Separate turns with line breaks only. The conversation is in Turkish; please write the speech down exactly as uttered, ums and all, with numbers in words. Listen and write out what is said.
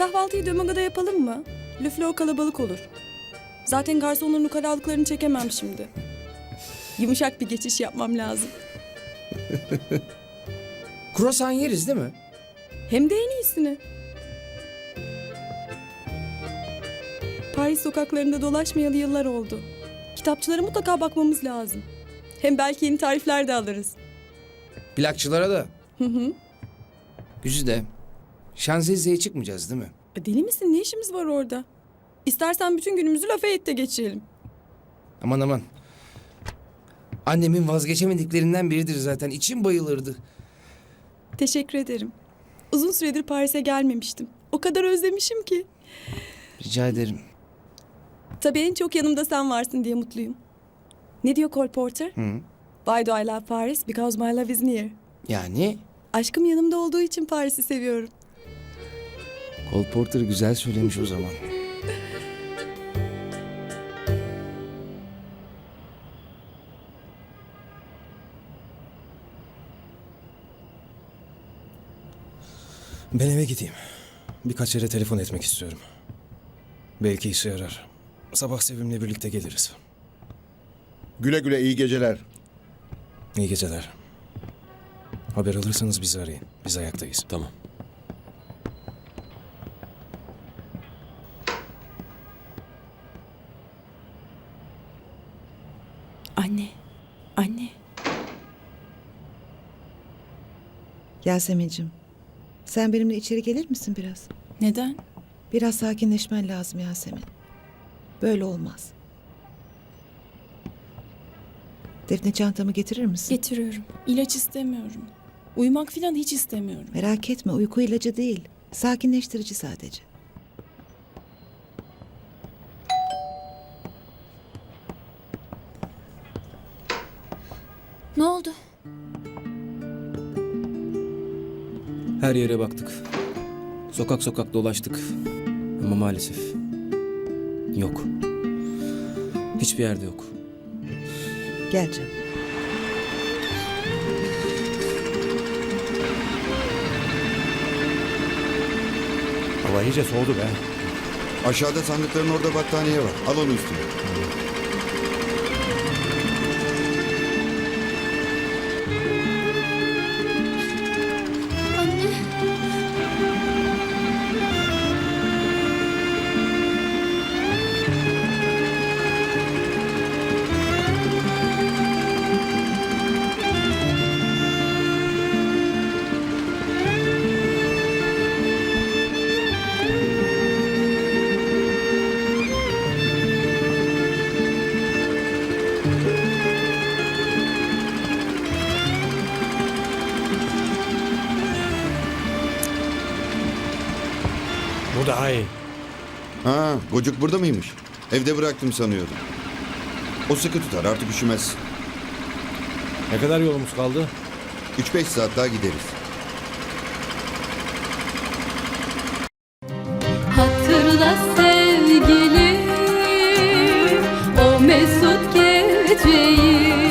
kahvaltıyı Dömaga'da yapalım mı? Le Fleur kalabalık olur. Zaten garsonların ukalalıklarını çekemem şimdi. Yumuşak bir geçiş yapmam lazım.
Kruvasan yeriz değil mi?
Hem de en iyisini. Paris sokaklarında dolaşmayalı yıllar oldu. Kitapçılara mutlaka bakmamız lazım. Hem belki yeni tarifler de alırız.
Plakçılara da.
Hı hı.
Güzide. Şanzelize'ye çıkmayacağız değil mi?
E, Deli misin? Ne işimiz var orada? İstersen bütün günümüzü Lafayette'de geçirelim.
Aman aman. Annemin vazgeçemediklerinden biridir zaten. İçim bayılırdı.
Teşekkür ederim. Uzun süredir Paris'e gelmemiştim. O kadar özlemişim ki.
Rica ederim.
Tabii en çok yanımda sen varsın diye mutluyum. Ne diyor Cole Porter?
Hı.
Why do I love Paris? Because my love is near.
Yani
Aşkım yanımda olduğu için Paris'i seviyorum.
Cole Porter güzel söylemiş o zaman.
Ben eve gideyim. Birkaç yere telefon etmek istiyorum. Belki işe yarar. Sabah Sevim'le birlikte geliriz.
Güle güle, iyi geceler.
İyi geceler. Haber alırsanız bizi arayın. Biz ayaktayız.
Tamam.
Anne, anne.
Yasemin'cim, sen benimle içeri gelir misin biraz?
Neden?
Biraz sakinleşmen lazım Yasemin. Böyle olmaz. Defne, çantamı getirir misin?
Getiriyorum. İlaç istemiyorum. Uyumak falan hiç istemiyorum.
Merak etme, uyku ilacı değil. Sakinleştirici sadece.
Ne oldu?
Her yere baktık. Sokak sokak dolaştık. Ama maalesef yok. Hiçbir yerde yok.
Gel canım.
Hava iyice soğudu be. Aşağıda sandıkların orada battaniye var. Al onu üstüne.
Bu daha iyi.
Ha, Gocuk burada mıymış? Evde bıraktım sanıyordum. O sıkı tutar, artık üşümez.
Ne kadar yolumuz kaldı?
Üç beş saat daha gideriz.
Hatırla sevgilim o mesut geceyi.